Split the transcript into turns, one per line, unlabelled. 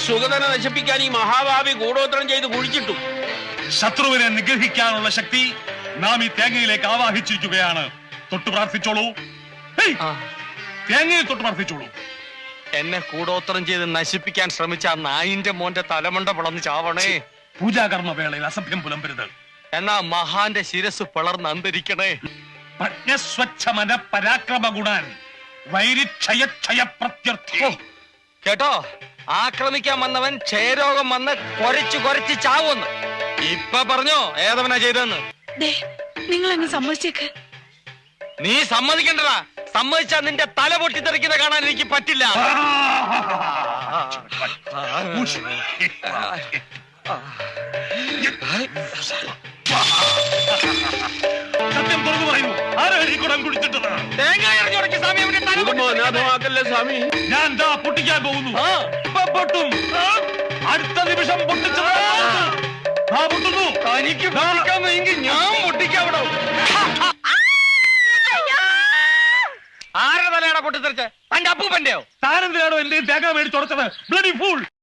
സുഗതനെ നശിപ്പിക്കാൻ ഈ മഹാഭാവി ഗൂഢോത്രം ചെയ്ത് കുഴിച്ചിട്ടു.
ശത്രുവിനെ നിഗ്രഹിക്കാനുള്ള ശക്തി നാം ഈ തേങ്ങയിലേക്ക് ആവാഹിച്ചിരിക്കുകയാണ്. തൊട്ടു പ്രാർത്ഥിച്ചോളൂ. തേങ്ങയിൽ തൊട്ട് പ്രാർത്ഥിച്ചോളൂ.
എന്നെ കൂടോത്രം ചെയ്ത് നശിപ്പിക്കാൻ ശ്രമിച്ച ആ നായിന്റെ മോന്റെ തലമണ്ട പിളർന്ന് ചാവണേ.
പൂജാകർമ്മ വേളയിൽ അസഭ്യം പുലമ്പരുത്.
എന്നാ മഹാന്റെ ശിരസ് പിളർന്ന് അന്തരിക്കണേ.
പ്രജ്ഞസ്വച്ഛമന പരാക്രമ ഗുണാൻ വൈരിക്ഷയ പ്രത്യർത്ഥി.
കേട്ടോ, ആക്രമിക്കാൻ വന്നവൻ ക്ഷയരോഗം വന്ന് കൊരച്ചു ചാവുന്ന്. ഇപ്പൊ പറഞ്ഞോ ഏതവനാ ചെയ്തെന്ന്?
നിങ്ങൾ അങ്ങ് സമ്മതിച്ചേക്ക്.
നീ സമ്മതിക്കണ്ടടാ. സമ്മതിച്ചാ നിന്റെ തല പൊട്ടിത്തെറിക്കുന്ന കാണാൻ എനിക്ക് പറ്റില്ല.
സത്യം തുറന്നു പറയൂ, ആരാണ് ഈ കുടം കുടിച്ചിട്ടത്?
തേങ്ങ എറിഞ്ഞുടക്കി സ്വാമി, അവന്റെ തല
സ്വാമി.
ഞാൻ ദാ പൊട്ടിക്കാൻ പോകുന്നു. പൊട്ടും. അടുത്ത നിമിഷം പൊട്ടിച്ചത് പൊട്ടുന്നു.
തനിക്ക് പൊട്ടിക്കാമെങ്കിൽ ഞാൻ പൊട്ടിക്കാവിടോ. ആരുടെ തലയാടാ പൊട്ടിത്തെറിച്ച്? തന്റെ അപ്പൂപ്പന്റെയോ?
താനെന്തിനാണോ എന്റെ തേങ്ങ മേടിച്ചുടച്ചത്? Bloody fool.